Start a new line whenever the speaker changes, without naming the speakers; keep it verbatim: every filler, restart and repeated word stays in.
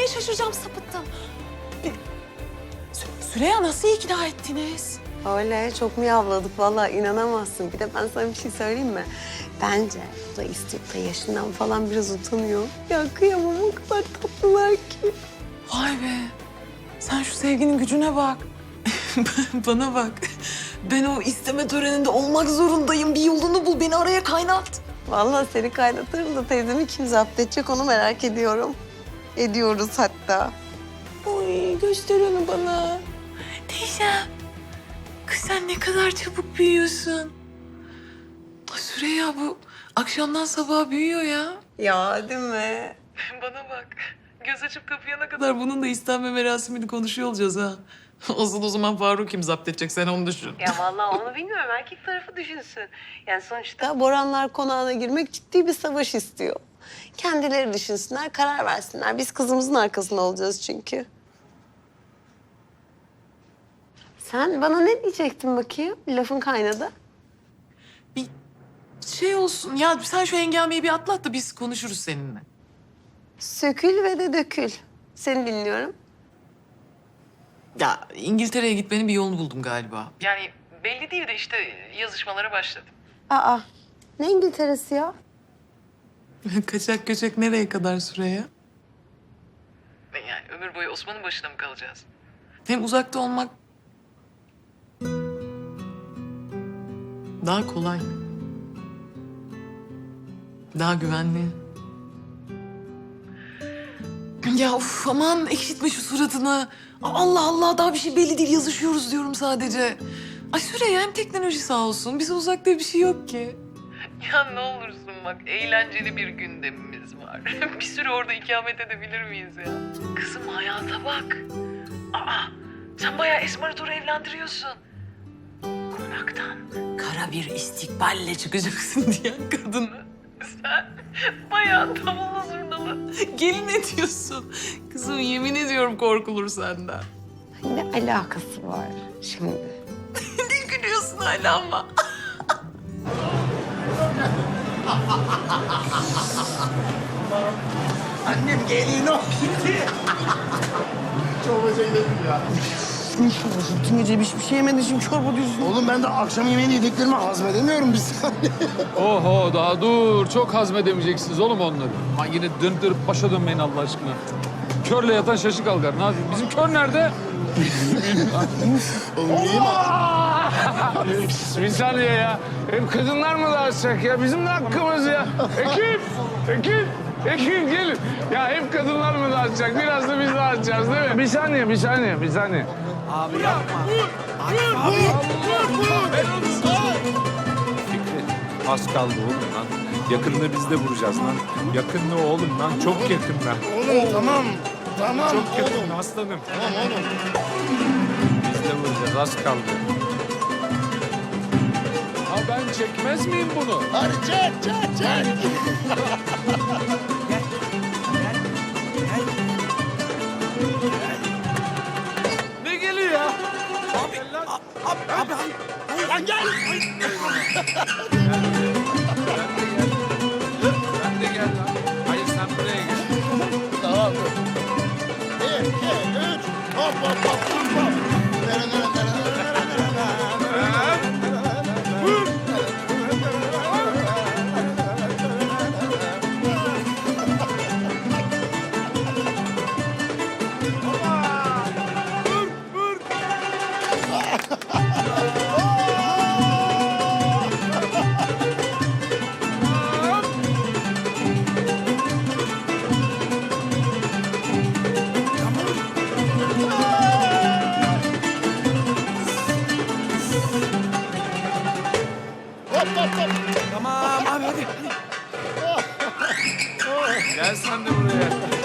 şaşıracağım, sapıttım. Bir... Sü- Süreyya nasıl ikna ettiniz?
Öyle çok miyavladık vallahi inanamazsın. Bir de ben sana bir şey söyleyeyim mi? Bence bu da istiyor da yaşından falan biraz utanıyor. Ya kıyamam o kadar tatlılar ki.
Vay be. Sen şu sevginin gücüne bak. Bana bak. Ben o isteme töreninde olmak zorundayım. Bir yolunu bul, beni araya kaynat.
Vallahi seni kaynatırım da teyzemi kim zapt edecek onu merak ediyorum. Ediyoruz hatta.
Oy, göster onu bana. Teyzem. Kız sen ne kadar çabuk büyüyorsun. Ay Süreyya bu akşamdan sabaha büyüyor ya.
Ya değil mi?
Bana bak. Göz açıp kapayana kadar bunun da istenme merasimini konuşuyor olacağız ha. Asıl o zaman Faruk kim zapt edecek sen onu düşün.
Ya vallahi onu bilmiyorum. Erkek tarafı düşünsün. Yani sonuçta Boranlar konağına girmek ciddi bir savaş istiyor. Kendileri düşünsünler, karar versinler. Biz kızımızın arkasında olacağız çünkü. Sen bana ne diyecektin bakayım? Lafın kaynadı.
Bir şey olsun ya sen şu hengameyi bir atlat da biz konuşuruz seninle.
Sökül ve de dökül. Seni dinliyorum.
Ya İngiltere'ye gitmenin bir yolunu buldum galiba. Yani belli değil de işte yazışmalara başladım.
Aa, ne İngiltere'si ya?
Kaçak göçek nereye kadar Süreyya? Yani ömür boyu Osman'ın başına mı kalacağız? Hem uzakta olmak daha kolay. Daha güvenli. Ya uf aman ekşitme şu suratını. Allah Allah daha bir şey belli değil yazışıyoruz diyorum sadece. Ay Süreyya hem teknoloji sağ olsun bize uzakta bir şey yok ki. Ya ne olursun bak eğlenceli bir gündemimiz var. Bir süre orada ikamet edebilir miyiz ya? Kızım hayata bak. Aa sen bayağı Esmer'i doğru evlendiriyorsun. Konaktan kara bir istikballe çıkacaksın diyen kadını. Sen bayağı davullu zurnalı gelin ediyorsun. Kızım yemin ediyorum korkulur senden.
Ne alakası var şimdi?
Ne gülüyorsun hala ama?
Annem gelin o gitti. Çorbacıya gidelim ya.
Ne çorbası? Bütün gece hiçbir şey yemedin şimdi çorba diyorsun.
Oğlum ben de akşam yemeğini yediklerimi hazmedemiyorum bir saniye.
Oho daha dur. Çok hazmedemeyeceksiniz oğlum onları. Lan yine dönüp dönüp başa dönmeyin Allah aşkına. Körle yatan şaşı kalkar. Ne yapayım? Bizim kör nerede?
Oğlum neyim
Bir saniye ya. Hep kadınlar mı dağıtacak ya? Bizim de hakkımız ya. Ekip! Ekip! Ekip gelin. Ya hep kadınlar mı dağıtacak? Biraz da biz dağıtacağız değil mi? Bir saniye, bir saniye, bir saniye.
Az kaldı oğlum lan. Yakında biz de vuracağız lan. Yakında oğlum lan. Çok yakında.
Oğlum tamam. Tamam
Çok yakında
oğlum.
aslanım.
Tamam oğlum.
Biz de vuracağız. Az kaldı.
Ha ben çekmez miyim bunu?
Hadi çek çek çek.
Ne geliyor ya?
Lan gel.
Sen de gel lan. Hayır sen buraya gel.
Tamam dur. Bir, iki, üç. Hop hop hop hop hop. Nere nere nere nere nere
Gel sen de buraya.